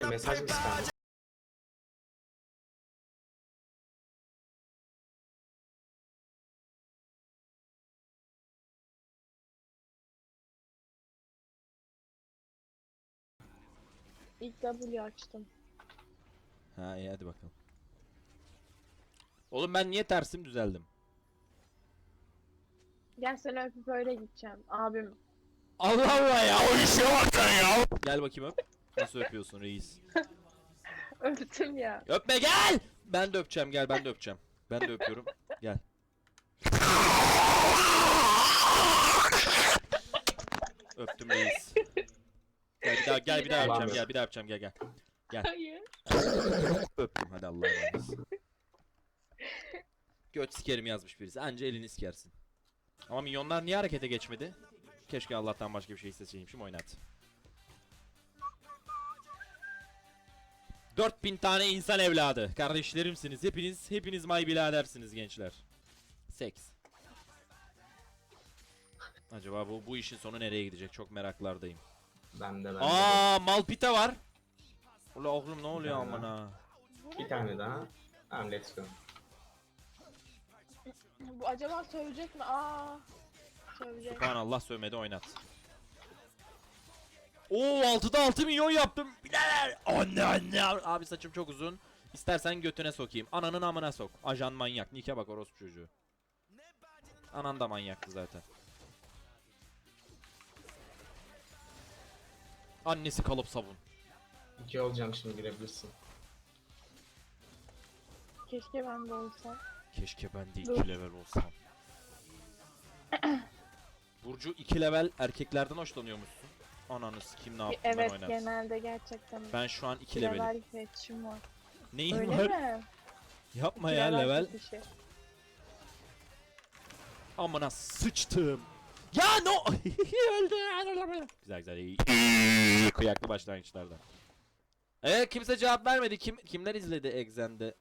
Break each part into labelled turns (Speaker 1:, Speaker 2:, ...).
Speaker 1: Mesaj mı spam?
Speaker 2: İlk W açtım.
Speaker 3: Ha iyi hadi bakalım. Oğlum ben niye tersim düzeldim?
Speaker 2: Gel seni öpüp öyle gideceğim. Abim.
Speaker 3: Allah Allah ya o işe bak sen ya. Gel bakayım öp. Nasıl öpüyorsun reis?
Speaker 2: Öptüm ya.
Speaker 3: Öpme gel. Ben de öpeceğim gel ben de öpeceğim. Ben de öpüyorum. Gel. Öptüm reis. Gel bir daha gel bir daha öpeceğim gel bir daha öpeceğim gel. Gel.
Speaker 2: Hayır.
Speaker 3: Öptüm hadi Allah'a emanet. Göt sikerim yazmış birisi. Anca elini sikersin. Ama milyonlar niye harekete geçmedi? Keşke Allah'tan başka bir şey isteseymişim oynat. 4000 tane insan evladı. Kardeşlerimsiniz. Hepiniz may biradersiniz gençler. Seks. Acaba bu işin sonu nereye gidecek? Çok meraklardayım.
Speaker 1: Ben de.
Speaker 3: Aa, Malpita var. Ula oğlum ne oluyor
Speaker 1: Bir tane
Speaker 3: aman ha?
Speaker 1: Bir tane daha. Tamam let's go.
Speaker 2: Bu acaba sövecek mi? Aa. Sövecek.
Speaker 3: Subhanallah sövmedi oynat. Oo 6'da 6 milyon yaptım. Bilader. Anne. Abi saçım çok uzun. İstersen götüne sokayım. Ananın amına sok. Ajan manyak. Nike bak orospu çocuğu. Anan da manyaktı zaten. Annesi kalıp sabun.
Speaker 1: 2 olacağım şimdi girebilirsin.
Speaker 2: Keşke ben de olsam.
Speaker 3: Keşke ben de
Speaker 2: Dur.
Speaker 3: 2 level olsam. Burcu 2 level erkeklerden hoşlanıyormuşsun. Ananı kim ne yaptım ben
Speaker 2: Evet
Speaker 3: oynat.
Speaker 2: genelde gerçekten.
Speaker 3: Ben şu an 2 levelim.
Speaker 2: Level fetch'im var.
Speaker 3: Neyin
Speaker 2: Öyle
Speaker 3: var?
Speaker 2: mi?
Speaker 3: Yapma ya level.
Speaker 2: fetişi.
Speaker 3: Amına sıçtım. Ya no! Öldü. Güzel iyi. Kıyaklı başlangıçlardan. Kimse cevap vermedi. Kimler izledi Exen'de?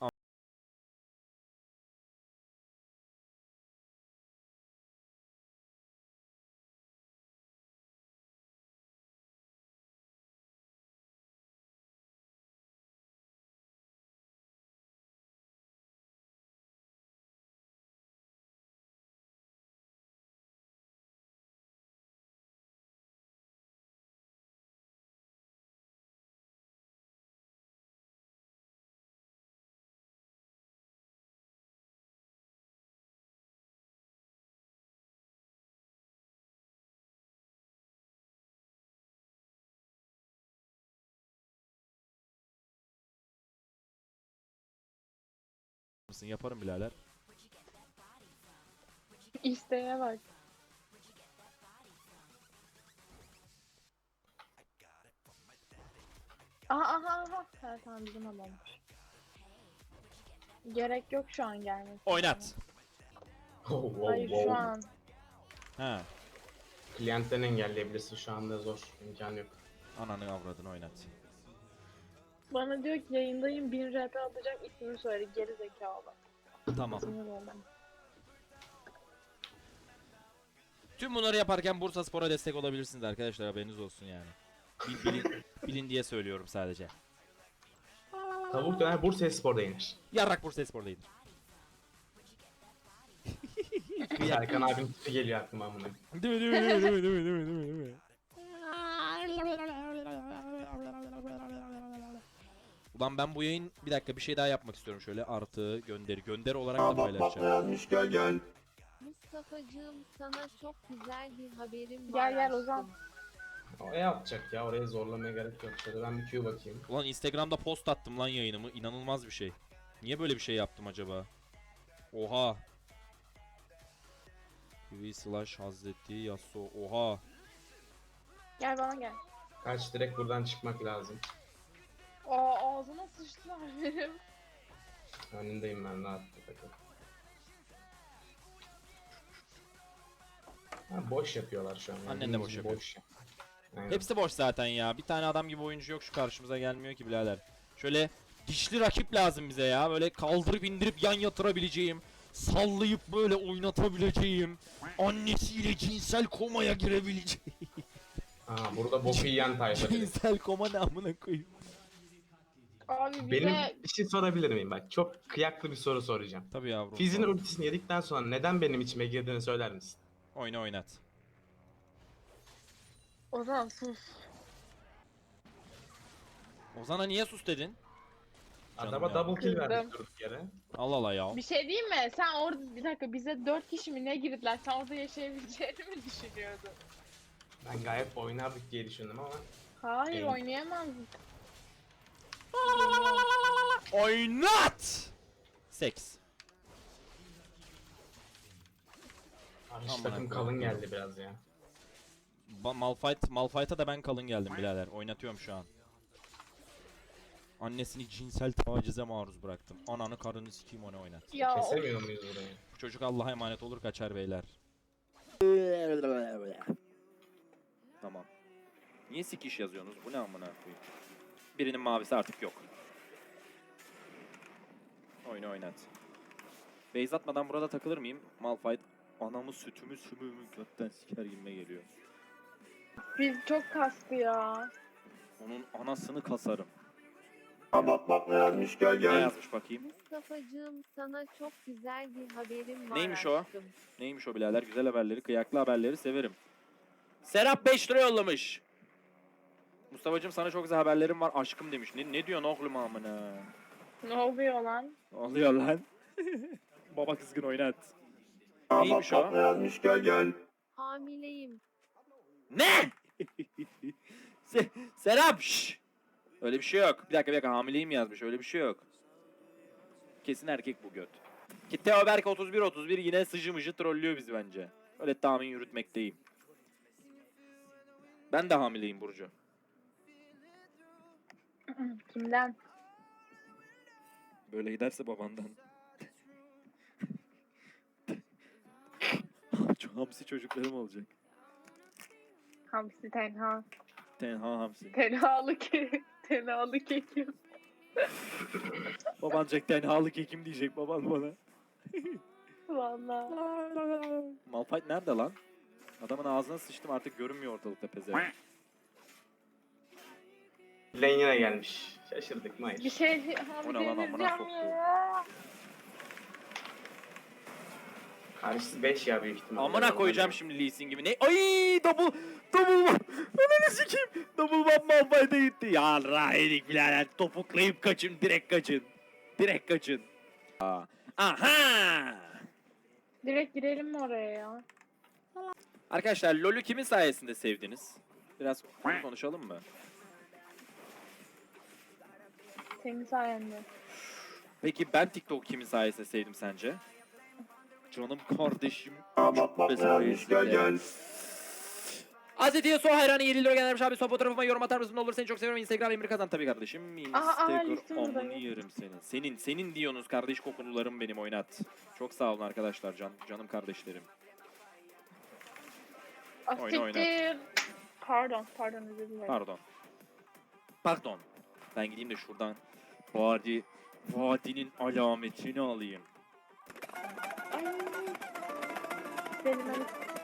Speaker 3: Mısın? Yaparım birader.
Speaker 2: İsteğe bak. Aha. Ha, tamam bizim adammış. Gerek yok şu an gelmesi.
Speaker 3: Oynat.
Speaker 2: Hayır şu an.
Speaker 3: Ha.
Speaker 1: Klientten engelleyebilirsin şu anda zor. İmkan yok.
Speaker 3: Ananı avradını oynat.
Speaker 2: Bana diyor ki yayındayım 1000 RP atacak ismini söyle geri zekalı.
Speaker 3: Tamam.
Speaker 2: Sinir oldum.
Speaker 3: Tüm bunları yaparken Bursaspor'a destek olabilirsiniz arkadaşlar haberiniz olsun yani. Bilin diye söylüyorum sadece.
Speaker 1: Tavuk döner Bursaspor'da yenir.
Speaker 3: Yarrak Bursaspor'daydı.
Speaker 1: Serkan abinin tipi geliyor aklıma amına.
Speaker 3: Değil mi? Ulan ben bu yayın bir dakika bir şey daha yapmak istiyorum şöyle artı gönderi olarak da paylaşacağım.
Speaker 4: Mustafa'cığım sana çok güzel bir haberim var.
Speaker 2: Gel Ozan.
Speaker 1: Oraya atacak ya oraya zorlamaya gerek yok. Şöyle ben bir Q bakayım.
Speaker 3: Ulan Instagram'da post attım lan yayınımı inanılmaz bir şey. Niye böyle bir şey yaptım acaba? Oha. TV/ Hazreti Yasuo oha.
Speaker 2: Gel bana gel.
Speaker 1: Kaç direkt buradan çıkmak lazım.
Speaker 2: Aa ağzına sıçtılar benim.
Speaker 1: Önündeyim ben rahat bir takım. Ha, boş yapıyorlar şu an. Yani.
Speaker 3: Annen de boş yapıyor.
Speaker 1: Boş. Aynen.
Speaker 3: Hepsi boş zaten ya. Bir tane adam gibi oyuncu yok şu karşımıza gelmiyor ki birader. Şöyle dişli rakip lazım bize ya. Böyle kaldırıp indirip yan yatırabileceğim. Sallayıp böyle oynatabileceğim. Annesiyle cinsel komaya girebileceğim.
Speaker 1: Aa, burada boku yiyen tayfa direkt.
Speaker 3: Cinsel koma ne amına koyayım.
Speaker 2: Abi bize
Speaker 1: Benim bir şey sorabilir miyim? Bak çok kıyaklı bir soru soracağım.
Speaker 3: Tabii yavrum.
Speaker 1: Fizz'in ultisini yedikten sonra neden benim içime girdiğini söyler misin?
Speaker 3: Oyna oynat.
Speaker 2: Ozan sus.
Speaker 3: Ozan'a niye sus dedin? Canım
Speaker 1: Adama
Speaker 3: ya.
Speaker 1: double kill
Speaker 2: Kızdım.
Speaker 1: verdik durduk yere.
Speaker 3: Allah Allah ya.
Speaker 2: Bir şey diyeyim mi? Sen orada bir dakika bize 4 kişi mi ne girdiler? Sen orada yaşayabileceğini mi düşünüyordun?
Speaker 1: Ben gayet oynardık diye düşündüm ama
Speaker 2: Hayır
Speaker 1: Değil.
Speaker 2: oynayamazdık.
Speaker 3: Oynat! Seks.
Speaker 1: karşı
Speaker 3: Aman
Speaker 1: takım
Speaker 3: Allah'ım.
Speaker 1: kalın geldi biraz ya.
Speaker 3: Malphite'a da ben kalın geldim birader. Oynatıyorum şu an. Annesini cinsel tacize maruz bıraktım. Ananı karını sikeyim onu oynat.
Speaker 2: Ya of.
Speaker 1: Kesemiyor muyuz burayı?
Speaker 3: Bu çocuk Allah'a emanet olur kaçar beyler. Tamam. Niye sikiş yazıyorsunuz? Bu ne amına koyayım? Birinin mavisi artık yok. Oyna oynat. Base atmadan burada takılır mıyım? Malphite anamı sütümü sümüğümü götten siker gibime geliyor.
Speaker 2: Biz çok kastı ya.
Speaker 3: Onun anasını kasarım.
Speaker 5: Bak ne yazmış gel
Speaker 3: Ne
Speaker 5: gel.
Speaker 3: yazmış bakayım?
Speaker 4: Mustafa'cığım sana çok güzel bir haberim var.
Speaker 3: Neymiş o?
Speaker 4: aşkım.
Speaker 3: Neymiş o birader? Güzel haberleri, kıyaklı haberleri severim. Serap 5 lira yollamış. Mustafa'cığım sana çok güzel haberlerim var aşkım demiş. Ne diyorsun oğlum amına?
Speaker 2: Ne oluyor lan?
Speaker 3: Ne oluyor lan? Baba kızgın oynat. Neymiş o?
Speaker 5: Bak ne yazmış gel gel.
Speaker 4: Hamileyim.
Speaker 3: Ne? Serap şşş! Öyle bir şey yok. Bir dakika hamileyim yazmış. Öyle bir şey yok. Kesin erkek bu göt. Ki Teo Berk 31 yine sıcı mıcı trollüyor bizi bence. Öyle tahmin yürütmekteyim. Ben de hamileyim Burcu.
Speaker 2: Kimden?
Speaker 3: Böyle giderse babandan. Çok hamsi çocuklarım olacak.
Speaker 2: Hamsi tenha.
Speaker 3: Tenha hamsi.
Speaker 2: Tenhalı ke. Tenhalı kekim.
Speaker 3: Baban Jack tenhalı kekim diyecek baban bana.
Speaker 2: Valla.
Speaker 3: Malphite nerede lan? Adamın ağzına sıçtım artık görünmüyor ortalıkta pezevenk.
Speaker 1: Lane yine gelmiş. Şaşırdık mı? Hayır.
Speaker 2: Bir şey
Speaker 3: O ne lan, amına
Speaker 2: deneyeceğim
Speaker 3: soktu.
Speaker 2: ya.
Speaker 1: Karşısı 5 ya büyük ihtimalle.
Speaker 3: Amına koyacağım şimdi Lee Sin gibi. Ne? Ay double ananı sikeyim. Double bump Malphite'e gitti. Ya rahilik birader topuklayıp kaçın direkt kaçın. Direkt kaçın. Aha!
Speaker 2: Direkt girelim mi oraya ya?
Speaker 3: Arkadaşlar LoL'ü kimin sayesinde sevdiniz? Biraz konuşalım mı?
Speaker 2: Senin sayende.
Speaker 3: Peki ben TikTok kimin sayesinde sevdim sence? Canım kardeşim.
Speaker 5: Bak ne yazmış gel gel.
Speaker 3: Hazreti Yasuo hayranı 7 lira göndermiş abi. Son fotoğrafıma yorum atar mısın? Ne olur seni çok seviyorum. Instagram Emir Kazan tabii kardeşim.
Speaker 2: listim
Speaker 3: Instagram
Speaker 2: burada
Speaker 3: amını
Speaker 2: yok.
Speaker 3: yerim seni. Senin diyorsunuz kardeş kokunularım benim oynat. Çok sağ olun arkadaşlar canım kardeşlerim. Oyna, oyna.
Speaker 2: Asiktir. Pardon özür dilerim.
Speaker 3: Pardon. Ben gideyim de şuradan vadinin alametini alayım.
Speaker 2: Ay. Benim hani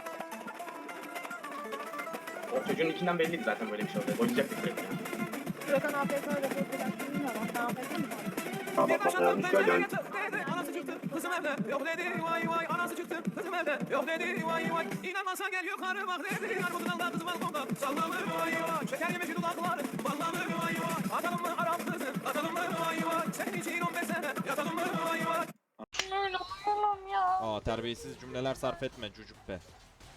Speaker 1: O çocuğun ikinden belliydi zaten böyle bir şey olacak. Oynayacaktık direkt yani.
Speaker 2: Furkan APK ile fotoğraf bilmiyorum. Sen APK mi?
Speaker 5: Bak ne yazmış gel gel.
Speaker 6: Anası çıktı kızım evde yok dedi vay vay anası çıktı kızım evde yok dedi vay vay İnanmazsan gel yukarı bak dedi armudun alda kızı balkonda sallanır vay vay şeker gibi şu dudakları ballanır vay vay atalım mı Arap kızı atalım mı vay vay senin için 15 sene yatalım mı vay vay.
Speaker 2: Öyle olamam ya.
Speaker 3: Aa terbiyesiz cümleler sarf etme çocuk be.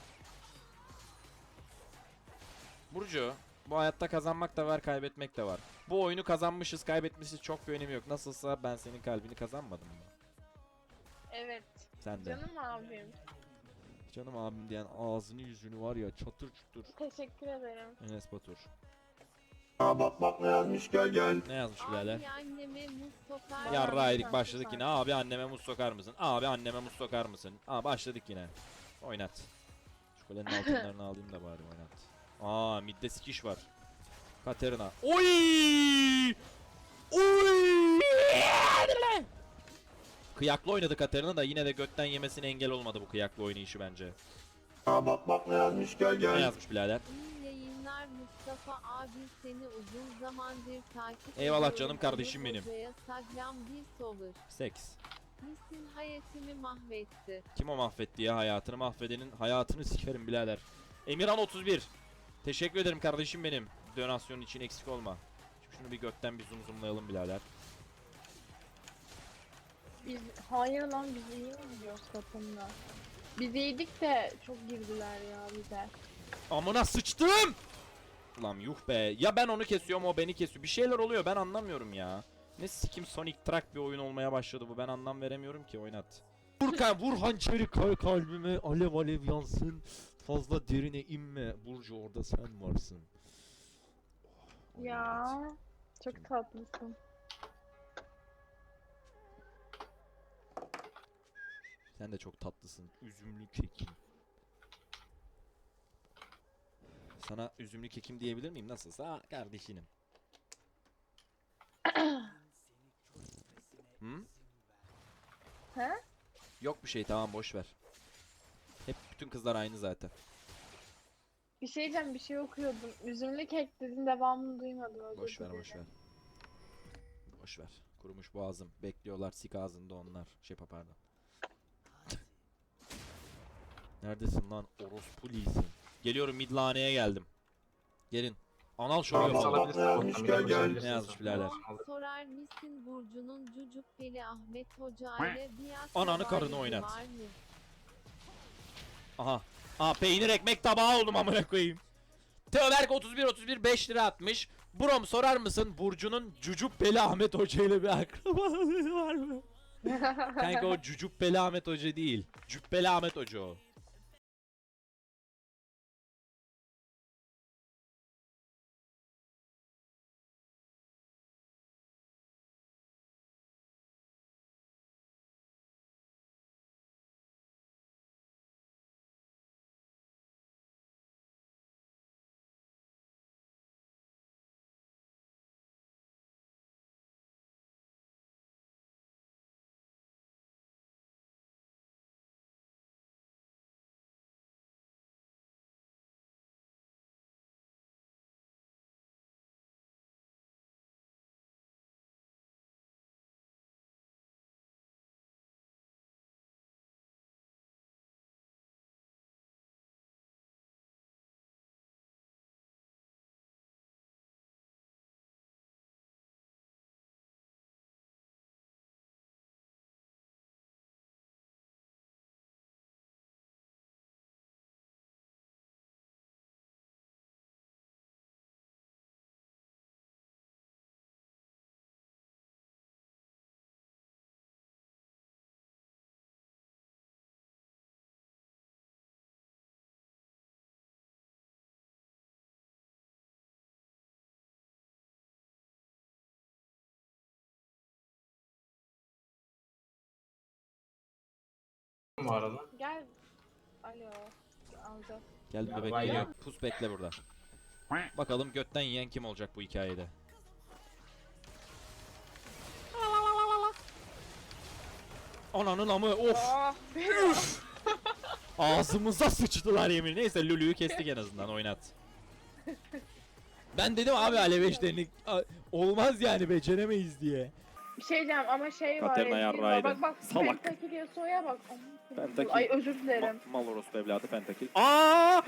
Speaker 3: Burcu, bu hayatta kazanmak da var, kaybetmek de var. Bu oyunu kazanmışız, kaybetmişiz çok bir önemi yok. Nasılsa ben senin kalbini kazanmadım mı?
Speaker 2: Evet.
Speaker 3: Sen de.
Speaker 2: Canım abim.
Speaker 3: Canım abim diyen ağzını yüzünü var ya çatır çutur.
Speaker 2: Teşekkür ederim.
Speaker 3: Enes Batur.
Speaker 5: Bak ne yazmış gel gel.
Speaker 3: Ne yazmış birader?
Speaker 4: Abi anneme muz sokar.
Speaker 3: Yarraydık başladık yine. Abi anneme muz sokar mısın? Abi anneme muz sokar mısın? Aa başladık yine. Oynat. Şu kulenin altınlarını alayım da bari oynat. Aa midde sikiş var. Katerina. Oy! Oy! Kıyaklı oynadı Katerina da yine de götten yemesine engel olmadı bu kıyaklı oynayışı bence.
Speaker 5: Bak ne yazmış gel
Speaker 3: Ne
Speaker 5: gel.
Speaker 3: yazmış birader?
Speaker 4: İyi yayınlar Mustafa abi seni uzun zamandır takip
Speaker 3: Eyvallah
Speaker 4: ediyorum.
Speaker 3: canım kardeşim
Speaker 4: Ali
Speaker 3: benim.
Speaker 4: Hoca'ya Sagram bir sover.
Speaker 3: Seks.
Speaker 4: Misin hayatını mahvetti.
Speaker 3: Kim o mahvetti ya hayatını? Mahvedenin hayatını sikerim birader. Emirhan 31. Teşekkür ederim kardeşim benim. Donasyon için eksik olma. Şimdi şunu bir gökten bir zoomlayalım birader.
Speaker 2: Biz hayır lan biz iyi oynuyoruz takımda. Biz iyiydik de çok girdiler ya bize.
Speaker 3: Amına sıçtım. Ulan yuh be. Ya ben onu kesiyorum o beni kesiyor. Bir şeyler oluyor ben anlamıyorum ya. Ne sikim Sonic Track bir oyun olmaya başladı bu. Ben anlam veremiyorum ki oynat. Vur hançeri kalbime alev alev yansın. Fazla derine inme. Burcu orada sen varsın. Oh,
Speaker 2: Ya
Speaker 3: oynat.
Speaker 2: çok tatlısın.
Speaker 3: Sen de çok tatlısın. Üzümlü kekim. Sana üzümlü kekim diyebilir miyim? Nasılsa kardeşinim. Hı?
Speaker 2: He?
Speaker 3: Yok bir şey tamam boş ver. Hep bütün kızlar aynı zaten.
Speaker 2: Bir şey diyeceğim bir şey okuyordum. Üzümlü kek dedin devamını duymadım. özür
Speaker 3: Boş ver
Speaker 2: dilerim.
Speaker 3: boş ver. Boş ver. Kurumuş boğazım. Bekliyorlar sik ağzında onlar. Pardon. Neredesin lan orospu lisin? Geliyorum midlaneye geldim. Gelin. Anal şov
Speaker 5: Tamam,
Speaker 3: yapalım.
Speaker 5: salabilirsin. Almış, gel, gel.
Speaker 3: Ne yazmış birader?
Speaker 4: Sorar mısın Burcu'nun Cucukkeli Ahmet Hoca ile biat
Speaker 3: Ananı karını
Speaker 4: rivayeti
Speaker 3: oynat.
Speaker 4: var mı?
Speaker 3: Aha. Aa peynir ekmek tabağı oldum amına koyayım. Teoberk 31 5 lira atmış. Brom sorar mısın Burcu'nun Cucubbeli Ahmet Hoca ile bir akrabalığı var mı? Kanka o Cucubbeli Ahmet Hoca değil. Cübbeli Ahmet Hoca o.
Speaker 1: Bu arada.
Speaker 2: Gel. Alo. Alacağız.
Speaker 3: Geldim
Speaker 1: Ya
Speaker 3: bebek
Speaker 1: vay
Speaker 3: geliyor.
Speaker 1: ya.
Speaker 3: Pus bekle burada. Bakalım götten yiyen kim olacak bu hikayede. Ananın amı of.
Speaker 2: Ah
Speaker 3: Ağzımıza sıçtılar yemin. Neyse Lulu'yu kestik en azından oynat. Ben dedim abi alev eşlerini olmaz yani beceremeyiz diye.
Speaker 2: bir şey diyeceğim ama şey var.
Speaker 7: Katerina
Speaker 2: Ezgi var.
Speaker 7: yarrağıydı.
Speaker 2: Bak bak.
Speaker 7: Salak.
Speaker 2: Pentakil Yasuo'ya bak. Aman
Speaker 7: Pentakil.
Speaker 2: Ay özür dilerim.
Speaker 7: Mal orospu evladı pentakil. Aa!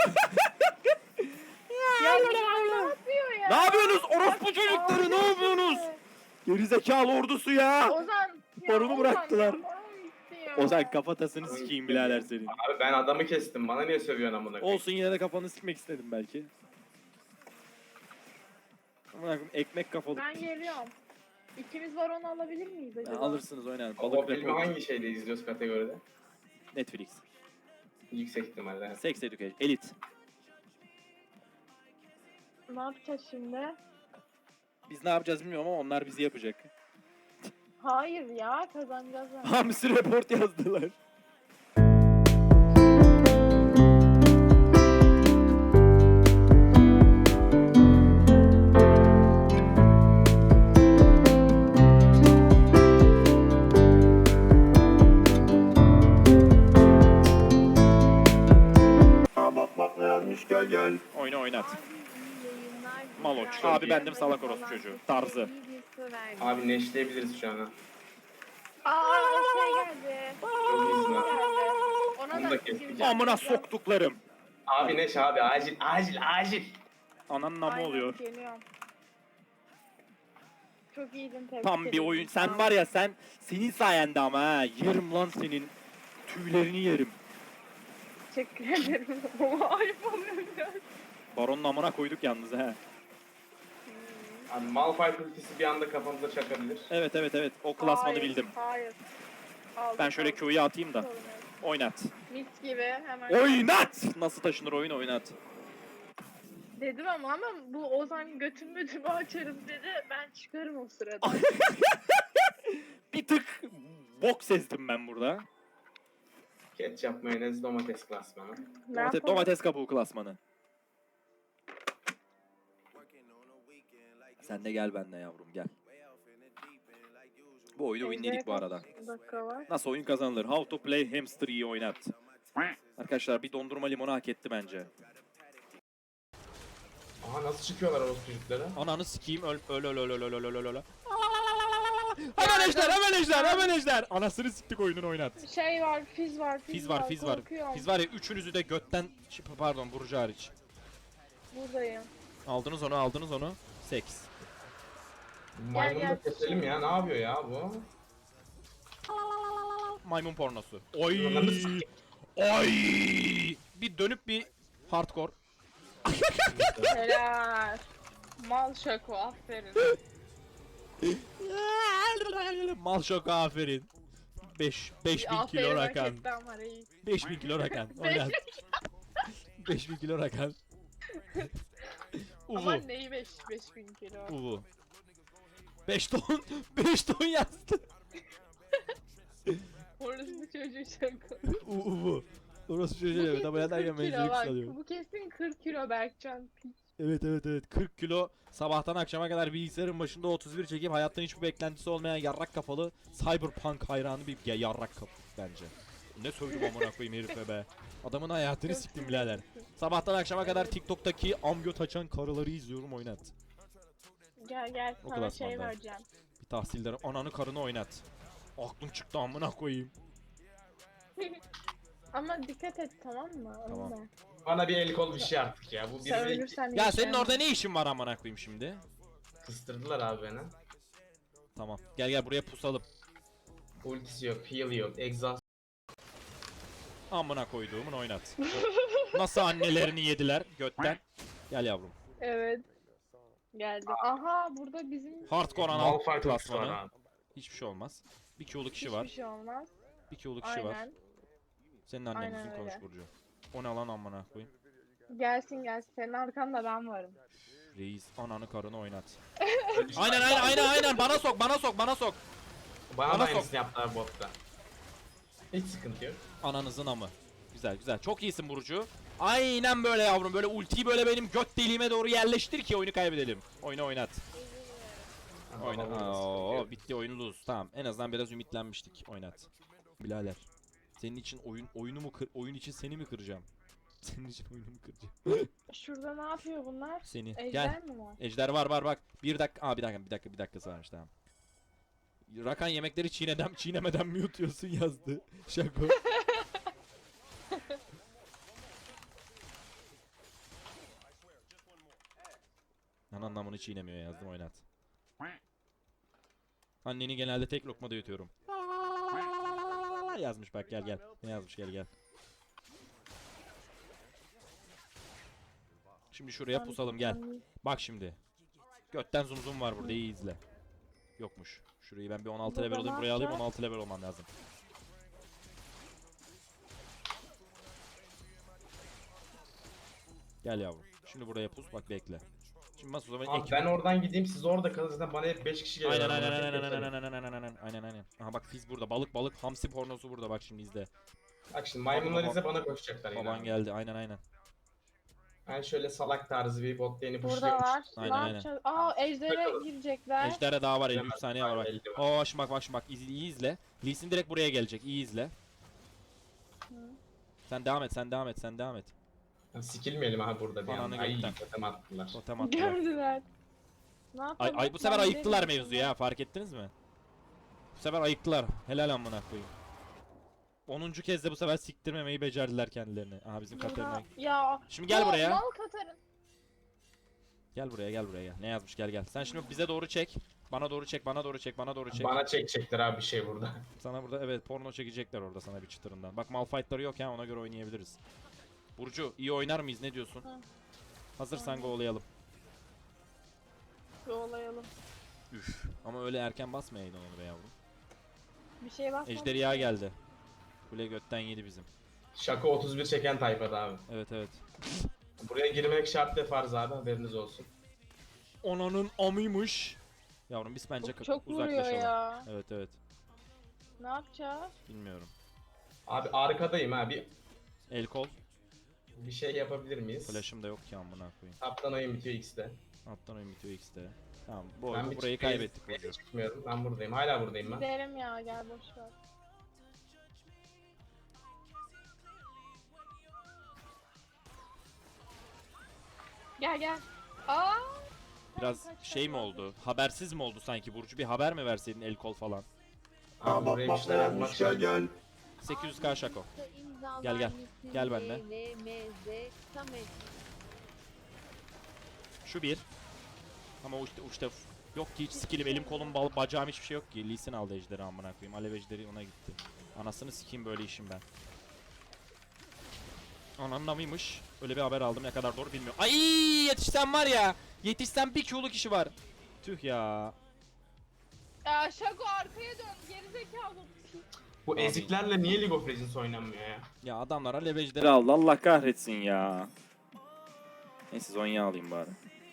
Speaker 2: Ya ne yapıyor ya?
Speaker 7: Ne yapıyorsunuz orospu çocukları ne yapıyorsunuz? Gerizekalı ordusu ya.
Speaker 2: Ozan.
Speaker 7: Baronu
Speaker 2: Ozan
Speaker 7: bıraktılar.
Speaker 2: ya, baron gitti ya.
Speaker 7: Ozan kafatasını sikeyim birader senin.
Speaker 1: Abi ben adamı kestim. Bana niye sövüyorsun amına koyayım?
Speaker 7: Olsun yine de kafanı sikmek istedim belki. Amına koyayım ekmek kafalı.
Speaker 2: Ben geliyorum. İkimiz baronu alabilir miyiz acaba?
Speaker 7: Ya alırsınız oynayalım.
Speaker 1: O
Speaker 7: Balık
Speaker 1: filmi
Speaker 7: report.
Speaker 1: hangi şeyde izliyoruz kategoride?
Speaker 7: Netflix.
Speaker 1: Yüksek ihtimalle.
Speaker 7: Sex Education. Elite.
Speaker 2: Ne yapacağız şimdi?
Speaker 7: Biz ne yapacağız bilmiyorum ama onlar bizi yapacak.
Speaker 2: Hayır ya kazanacağız. yani.
Speaker 7: Hamsi report yazdılar.
Speaker 5: Bak bak ne yazmış gel gel.
Speaker 7: Oyna oynat. Maloç. Abi bendim salak orospu çocuğu. Tarzı.
Speaker 1: Abi neşleyebiliriz şu an ha.
Speaker 2: Aa şey geldi.
Speaker 1: Çok iyisin ha.
Speaker 2: Ona
Speaker 1: Onu
Speaker 2: da
Speaker 1: da kestik.
Speaker 2: gireceğim.
Speaker 7: Amına soktuklarım.
Speaker 1: Abi neş abi acil acil acil.
Speaker 7: Ananın namı
Speaker 2: Aynen,
Speaker 7: oluyor.
Speaker 2: geliyorum. Çok iyiydin, tebrik
Speaker 7: Tam bir
Speaker 2: ederim.
Speaker 7: oyun. Sen var ya senin sayende ama ha. Yerim lan senin. Tüylerini yerim.
Speaker 2: Teşekkür ederim. Ama ayıp oluyor biraz.
Speaker 7: Baronun amına koyduk yalnız ha.
Speaker 1: Abi Malphite ultisi bir anda kafamıza çakabilir.
Speaker 7: Evet. O klasmanı
Speaker 2: Hayır,
Speaker 7: bildim.
Speaker 2: Hayır. Aldım,
Speaker 7: Ben şöyle
Speaker 2: aldım.
Speaker 7: Q'yu atayım da.
Speaker 2: Sorun yok.
Speaker 7: Oynat.
Speaker 2: Mis gibi hemen.
Speaker 7: Oynat! Nasıl taşınır oyun oynat.
Speaker 2: Dedim ama bu Ozan götümü açarım dedi. Ben çıkarım o sırada.
Speaker 7: Bir tık bok sezdim ben burada.
Speaker 1: Ketçap, mayonez, domates klasmanı.
Speaker 2: Ne yapalım?
Speaker 7: Domates kabuğu klasmanı. Sen de gel benimle yavrum gel. Bu oyunu winledik bu arada.
Speaker 2: Dakika var.
Speaker 7: Nasıl oyun kazanılır? How to play hamster iyi oynat. Arkadaşlar bir dondurma limonu hak etti bence.
Speaker 1: Aha nasıl çıkıyorlar o çocuklara?
Speaker 3: Ananı sikeyim öl. Hemen ejder. Anasını siktik oyunun oynat.
Speaker 2: Şey var, fiz var.
Speaker 3: Fiz var.
Speaker 2: Korkuyorum.
Speaker 3: Fiz var ya üçünüzü de götten pardon Burcu hariç.
Speaker 2: Buradayım.
Speaker 3: Aldınız onu. Seks.
Speaker 1: Maymunu
Speaker 2: gel.
Speaker 1: da keselim ya, ne yapıyor ya bu?
Speaker 3: Maymun pornosu. Oy.
Speaker 1: Ananı sikeyim.
Speaker 3: Oy. Bir dönüp bir hardcore.
Speaker 2: Helal. Mal şako, aferin.
Speaker 3: Mal şoka aferin. 5000 kilo
Speaker 2: Aferin, hak
Speaker 3: rakan.
Speaker 2: etti ama reis.
Speaker 3: 5000 kilo rakan. Oynat. 5000 kilo rakan.
Speaker 2: Ama
Speaker 3: Uvu.
Speaker 2: neyi 5000 kilo?
Speaker 3: Uvu. 5 ton. 5 ton yazdı.
Speaker 2: Orası bir çocuğu şako.
Speaker 3: Uvu. Orası çocuğu evet ama yatarken
Speaker 2: 40 kilo
Speaker 3: menzili
Speaker 2: bak.
Speaker 3: kısalıyor.
Speaker 2: Bu kesin 40 kilo Berkcan. Piç.
Speaker 3: Evet. 40 kilo sabahtan akşama kadar bilgisayarın başında 31 çekip hayattan hiçbir beklentisi olmayan yarrak kafalı Cyberpunk hayranı bir yarrak kafa bence. Ne sövdüm amına koyayım herife be. Adamın hayatını siktim birader. Sabahtan akşama kadar TikTok'taki amgöt açan karıları izliyorum oynat.
Speaker 2: Gel
Speaker 3: O
Speaker 2: sana şey
Speaker 3: klasmanda.
Speaker 2: vereceğim.
Speaker 3: Bir tahsildar ananı karını oynat. Aklım çıktı amına koyayım.
Speaker 2: Ama dikkat et, tamam mı? Onu
Speaker 3: Tamam.
Speaker 2: da.
Speaker 1: Bana bir el kol bir şey artık ya. Bu
Speaker 2: Sen
Speaker 1: bizi
Speaker 2: ölürsen
Speaker 3: Ya senin
Speaker 2: yaşayamam.
Speaker 3: orada ne işin var amına koyayım şimdi?
Speaker 1: kıstırdılar abi beni.
Speaker 3: Tamam. Gel buraya pusalım.
Speaker 1: Ultisi yok, heal yok, exhaust.
Speaker 3: Amına koyduğumun oynat. Nasıl annelerini yediler götten. Gel yavrum.
Speaker 2: Evet. Geldi. Aha burada bizim
Speaker 3: Hardcore anal
Speaker 1: Malphite ultisi var
Speaker 3: klasmanı.
Speaker 1: abi.
Speaker 3: Hiçbir şey olmaz. Bir Q'lu kişi
Speaker 2: hiçbir
Speaker 3: var.
Speaker 2: şey olmaz.
Speaker 3: Bir Q'lu kişi var.
Speaker 2: Aynen.
Speaker 3: Senin annen
Speaker 2: Aynen
Speaker 3: bizim konuş
Speaker 2: öyle.
Speaker 3: Burcu. O ne lan amına koyayım.
Speaker 2: Gelsin. Senin arkanda ben varım.
Speaker 3: Reis ananı karını oynat.
Speaker 1: Öyle bir şey-
Speaker 3: Aynen bana sok.
Speaker 1: Bana
Speaker 3: Bana
Speaker 1: da
Speaker 3: sok.
Speaker 1: aynısını yaptılar botta. Hiç sıkıntı yok.
Speaker 3: Ananızın amı. Güzel. Çok iyisin Burcu. Aynen böyle yavrum. Böyle ultiyi böyle benim göt deliğime doğru yerleştir ki oyunu kaybedelim. Oyunu oynat. Oyna. Oo, bitti oyun lose. Tamam. En azından biraz ümitlenmiştik. Oynat. Bilader. Senin için oyun için seni mi kıracağım? Senin için oyunumu kıracağım.
Speaker 2: Şurada ne yapıyor bunlar?
Speaker 3: Seni.
Speaker 2: Ejder
Speaker 3: Gel.
Speaker 2: mi var?
Speaker 3: Ejder var bak. Bir dakikası varmış tamam. Rakan yemekleri çiğnemeden mi yutuyorsun yazdı. Şako. Anlamını çiğnemiyor yazdım oynat. Anneni genelde tek lokmada yutuyorum. Yazmış bak gel. Ne yazmış gel. Şimdi şuraya pusalım gel. Bak şimdi. Götten zoom var burada iyi izle. Yokmuş. Şurayı ben bir 16
Speaker 2: Burada
Speaker 3: level alayım
Speaker 2: ne
Speaker 3: buraya alayım
Speaker 2: yapacağız?
Speaker 3: 16 level olmam lazım. Gel yavrum. Şimdi buraya pus bak bekle. Şimdi bas o zaman
Speaker 1: Abi ben oradan gideyim, siz orada kalın, zaten bana hep 5 kişi geliyor.
Speaker 3: Aynen. Aha bak Fizz burada balık hamsi pornosu burada bak şimdi izle.
Speaker 1: Bak şimdi maymunlar
Speaker 3: Baba-
Speaker 1: ise bana koşacaklar yine.
Speaker 3: Baban
Speaker 1: abi.
Speaker 3: geldi aynen.
Speaker 1: Ben şöyle salak tarzı bir bot lane'i
Speaker 2: Burada
Speaker 1: pushluyorum.
Speaker 2: var.
Speaker 3: Aynen.
Speaker 2: Ne yapacağız? Aa Ejder'e
Speaker 1: Bakalım.
Speaker 2: girecekler.
Speaker 3: Ejder'e daha var 53
Speaker 1: Bilemez.
Speaker 3: saniye var bak.
Speaker 1: Belli var.
Speaker 3: Oo şimdi bak iyi izle. Lee Sin direkt buraya gelecek iyi izle. Sen devam et.
Speaker 1: Sikilmeyelim abi burada bir
Speaker 3: Ananı
Speaker 1: anda. Ay
Speaker 3: gökten.
Speaker 1: totem attılar.
Speaker 3: Totem attılar.
Speaker 2: Gördüler. Ne
Speaker 3: Ay,
Speaker 2: yapalım?
Speaker 3: ay bu sefer
Speaker 2: Ben
Speaker 3: ayıktılar
Speaker 2: dedim
Speaker 3: mevzuyu ya, fark ettiniz mi? Bu sefer ayıktılar. Helal amına koyayım. 10. kez de bu sefer siktirmemeyi becerdiler kendilerini. Aha bizim Katerina.
Speaker 2: Burada- Ya.
Speaker 3: Şimdi gel
Speaker 2: o
Speaker 3: buraya.
Speaker 2: Mal Katarın.
Speaker 3: Gel buraya gel. Ne yazmış gel gel. Sen şimdi bize doğru çek. Bana doğru çek, bana doğru çek, bana doğru çek.
Speaker 1: Bana çekecekler abi bir şey burada.
Speaker 3: Sana burada evet porno çekecekler orada sana bir çıtırından. Bak Malphite'ları yok ya, ona göre oynayabiliriz. Burcu iyi oynar mıyız, ne diyorsun?
Speaker 2: Hı.
Speaker 3: Hazırsan go'layalım.
Speaker 2: Yolayalım.
Speaker 3: Üf. Ama öyle erken basmayaydın onu be yavrum.
Speaker 2: Bir şey var.
Speaker 3: Ejderha geldi. Kule götten yedi bizim.
Speaker 1: Şaka 31 çeken tayfada abi.
Speaker 3: Evet evet.
Speaker 1: Buraya girmek şart ve farz abi, haberiniz olsun.
Speaker 3: Onanın amıymış. Yavrum biz bence
Speaker 2: Çok vuruyor
Speaker 3: uzaklaşalım.
Speaker 2: ya.
Speaker 3: Evet evet.
Speaker 2: Ne yapacağız?
Speaker 3: Bilmiyorum.
Speaker 1: Abi arkadayım ha,
Speaker 3: El kol.
Speaker 1: bir şey yapabilir miyiz?
Speaker 3: Flash'ım da yok ki amına koyayım.
Speaker 1: Taptan oyun bitiyor X'de.
Speaker 3: Alttan oyun bitiyor X'de. Tamam bu
Speaker 1: Ben
Speaker 3: oyunu
Speaker 1: bir
Speaker 3: burayı
Speaker 1: çıkmayı-
Speaker 3: kaybettik Burcu.
Speaker 1: Çıkmıyorum, ben buradayım, hala buradayım ben.
Speaker 2: Gidelim ya, gel boş ver. Gel gel. Aa!
Speaker 3: Biraz
Speaker 2: Kaç, kaç,
Speaker 3: şey mi
Speaker 2: kaç.
Speaker 3: oldu? Habersiz mi oldu sanki Burcu? Bir haber mi verseydin el kol falan?
Speaker 1: Abi
Speaker 5: Bak
Speaker 1: buraya bir
Speaker 5: bak ne
Speaker 1: şeyler yapmak
Speaker 5: yazmış gel
Speaker 1: şart.
Speaker 5: gel.
Speaker 3: 800k şako. Gel, gel. Gel bende. Şu bir. Ama uçta yok ki hiç skillim, elim kolum bacağım hiçbir şey yok ki. Lee Sin aldı ejderi amına koyayım. Alev ejderi ona gitti. Anasını sikeyim böyle işim ben. Ananın amıymış. Öyle bir haber aldım, ne kadar doğru bilmiyorum. Ay yetişsem var ya. Yetişsem bir Q'lu kişi var. Tüh ya.
Speaker 2: Ya Şako arkaya dön, gerizekalı.
Speaker 1: Bu
Speaker 3: Abi.
Speaker 1: eziklerle niye League of Legends oynanmıyor ya?
Speaker 3: Ya adamlar alev ejderi
Speaker 7: aldı, Allah kahretsin ya. Neyse Zonya alayım bari.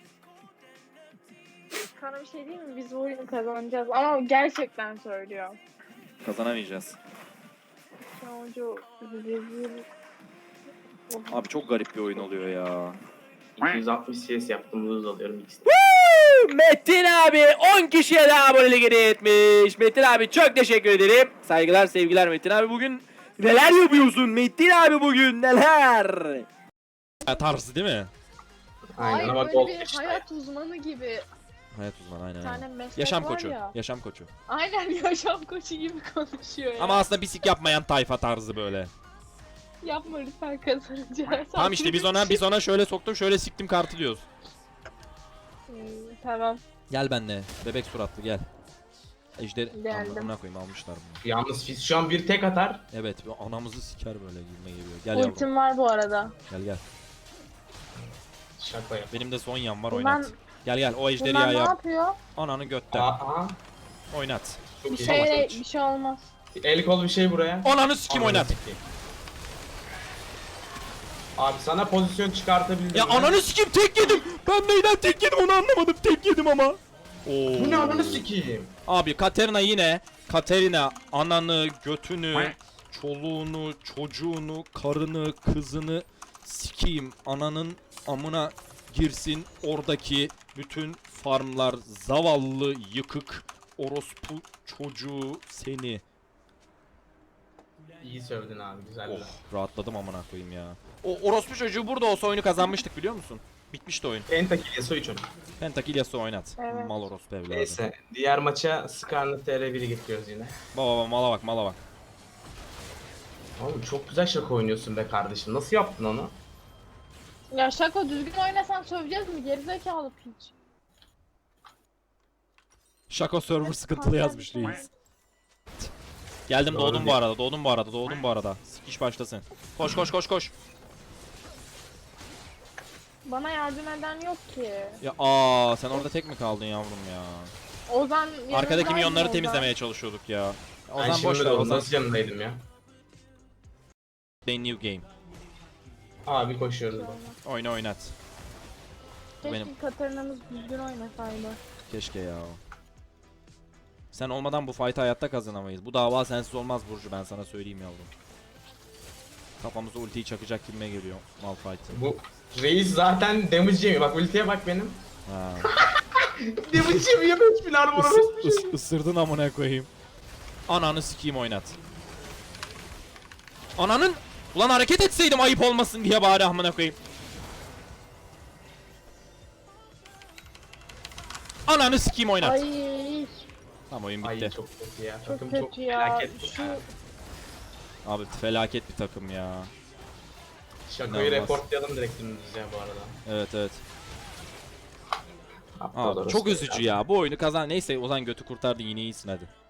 Speaker 2: Sana bir şey diyeyim mi? Biz bu oyunu kazanacağız. Ama gerçekten söylüyorum.
Speaker 7: Kazanamayacağız.
Speaker 2: Çocuğu rezil.
Speaker 7: Abi çok garip bir oyun oluyor ya.
Speaker 1: 260 CS yaptım, lose alıyorum X'de.
Speaker 7: Metin abi 10 kişiye daha abonelik hediye etmiş. Metin abi çok teşekkür ederim. Saygılar sevgiler Metin abi, bugün neler yapıyorsun Metin abi, bugün neler?
Speaker 3: tarzı değil mi?
Speaker 1: Aynen ama
Speaker 2: böyle
Speaker 1: gol
Speaker 2: bir
Speaker 1: işte.
Speaker 2: hayat uzmanı gibi.
Speaker 3: Hayat uzmanı aynen.
Speaker 2: Bir
Speaker 3: aynen.
Speaker 2: tane meslek
Speaker 3: Yaşam
Speaker 2: var
Speaker 3: koçu.
Speaker 2: ya.
Speaker 3: Yaşam koçu.
Speaker 2: Aynen yaşam koçu gibi konuşuyor ya.
Speaker 3: Ama aslında bisik yapmayan tayfa tarzı böyle.
Speaker 2: Yapma lütfen, kazanacağız.
Speaker 3: Tamam işte biz ona şöyle soktum, şöyle siktim kartı diyoruz.
Speaker 2: Tamam.
Speaker 3: Gel benle bebek suratlı gel. Ejder
Speaker 2: Geldim.
Speaker 3: amına koyayım, almışlar bunu.
Speaker 1: Yalnız Fizz şu an bir tek atar.
Speaker 3: Evet anamızı siker böyle girme geliyor. Gel yavrum.
Speaker 2: Ultim var bu arada.
Speaker 3: Gel.
Speaker 1: Şaka yap.
Speaker 3: Benim de Zonya'm var,
Speaker 2: Bundan,
Speaker 3: oynat. Gel o ejderi
Speaker 2: bundan
Speaker 3: ya
Speaker 2: ne
Speaker 3: yap.
Speaker 2: yapıyor?
Speaker 3: Ananı götten.
Speaker 1: Aa,
Speaker 3: Oynat.
Speaker 1: çok
Speaker 2: Bir
Speaker 1: iyi.
Speaker 2: şey, bir şey olmaz.
Speaker 1: El kol bir şey buraya.
Speaker 3: Ananı sikim
Speaker 1: Ananı
Speaker 3: oynat.
Speaker 1: sikeyim. Abi sana pozisyon çıkartabildim.
Speaker 3: Ya
Speaker 1: ben.
Speaker 3: ananı sikim, tek yedim. Ben neyden tek yedim onu anlamadım. Tek yedim ama. Oo.
Speaker 1: Bu ne ananı sikeyim?
Speaker 3: Abi Katerina ananı, götünü, çoluğunu, çocuğunu, karını, kızını sikeyim. Ananın amına girsin oradaki bütün farmlar, zavallı yıkık orospu çocuğu seni.
Speaker 1: İyi sövdün abi, güzel.
Speaker 3: Oh rahatladım amına koyayım ya. O orospu çocuğu burada olsa oyunu kazanmıştık biliyor musun? Bitmişti oyun.
Speaker 1: Pentakill Yasuo 3
Speaker 3: Pentakill Yasuo oynat.
Speaker 2: Evet.
Speaker 3: Mal orospu evladı.
Speaker 1: Neyse, diğer maça Skarnet TR1'i getiriyoruz yine.
Speaker 3: Baba mala bak.
Speaker 1: Oğlum çok güzel şaka oynuyorsun be kardeşim. Nasıl yaptın onu?
Speaker 2: Ya Şako düzgün oynasan söveceğiz mi? Gerizekalı piç.
Speaker 3: Şako server sıkıntılı yazmış reis. Geldim,
Speaker 1: Doğru
Speaker 3: doğdum
Speaker 1: değil.
Speaker 3: bu arada. Sikiş başlasın. Koş.
Speaker 2: Bana yardım eden yok ki.
Speaker 3: Ya sen orada tek mi kaldın yavrum ya?
Speaker 2: Ozan
Speaker 3: Arkadaki
Speaker 2: yanımdaydı
Speaker 3: milyonları
Speaker 2: Ozan.
Speaker 3: temizlemeye çalışıyorduk ya.
Speaker 1: Ben
Speaker 3: Ozan boş
Speaker 1: şimdi
Speaker 3: ver,
Speaker 1: de
Speaker 3: Ozan.
Speaker 1: nasıl yanındaydım ya?
Speaker 3: Play new game.
Speaker 1: Abi koşuyoruz.
Speaker 3: Oynat.
Speaker 2: Keşke
Speaker 3: Benim.
Speaker 2: Katarina'mız düzgün oynasaydı.
Speaker 3: Keşke ya. Sen olmadan bu fight'ı hayatta kazanamayız. Bu dava sensiz olmaz Burcu, ben sana söyleyeyim yavrum. Kafamıza ultiyi çakacak gibime geliyor Malphite.
Speaker 1: Bu reis zaten damage yemiyor. Bak ultiye bak benim.
Speaker 3: Ha.
Speaker 1: Damage yemiyor 5000 armor orospu.
Speaker 3: Isırdın amına koyayım. Ananı sikeyim, oynat. Ananın Ulan hareket etseydim ayıp olmasın diye bari amına koyayım. Ananı sikeyim oynat.
Speaker 2: Ay
Speaker 3: Tamam oyun
Speaker 1: Ay
Speaker 3: bitti.
Speaker 1: çok kötü ya.
Speaker 2: çok
Speaker 1: Takım
Speaker 2: kötü
Speaker 1: çok
Speaker 2: ya.
Speaker 1: felaket.
Speaker 2: Şu
Speaker 3: Abi felaket bir takım ya.
Speaker 1: Şakoyu
Speaker 3: İnanılmaz.
Speaker 1: reportlayalım direkt dümdüz ya bu arada.
Speaker 3: Evet evet.
Speaker 1: Aptal
Speaker 3: Abi
Speaker 1: orası
Speaker 3: çok
Speaker 1: ya.
Speaker 3: üzücü ya. Bu oyunu kazan. Neyse Ozan götü kurtardı, yine iyisin hadi.